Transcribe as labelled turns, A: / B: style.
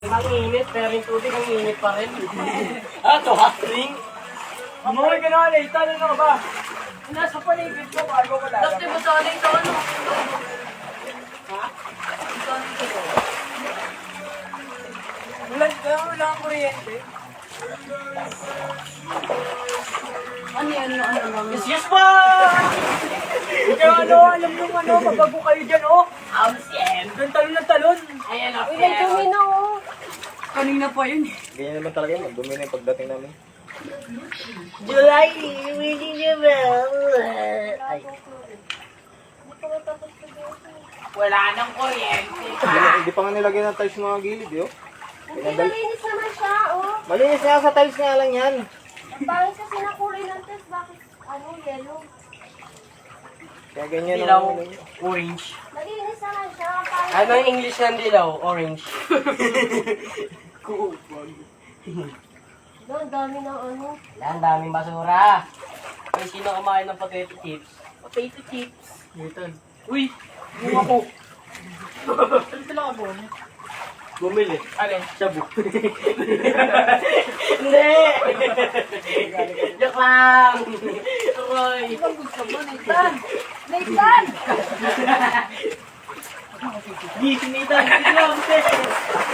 A: Ang init, pero yung tubig ang init pa rin. To hot drink?
B: Amoy ka na, Nathan. Ano ka ba? Nasa paligid ko, bago ko lang.
C: Tapos diba sa aling to ano?
A: Ha?
B: Wala kang kuryente.
C: Ano yan? Ano lang?
A: Yes ba?
B: Kaya alam nyo mabago kayo dyan, oh.
A: Siem.
B: Doon talon na talon.
A: Ayan o,
C: Uy, nagdumi na oh.
B: Kanina pa yun.
D: Ganyan naman talaga yun. Magdumi na yung pagdating namin.
A: July, winning the bell. Ay, wala nang kuryente.
D: Hindi pa nga nilagyan ng tiles mga gilid, yo.
C: Hindi, malinis naman siya oh.
D: Malinis nga sa tiles nga lang yan.
C: Ang pangit kasi na kulay ng test. Bakit yellow?
D: Kaya ganyan
A: Dilaw,
D: ang
A: orange.
C: Malinis naman siya. Ang pangit.
A: Ano yung English ng dilaw? Orange.
C: Doon, dami ng ano.
A: Ang daming basura. Ay, sino kumain ng potato chips?
C: Potato chips.
A: Newton. Uy! Bunga ko!
B: Ano sila ka ba?
A: Bumili.
B: Alin?
A: Shabu. Hindi! Joke lang! Roy!
C: Ang gusto mo, Nathan? Nathan!
A: Gising na ito! Gising na ito!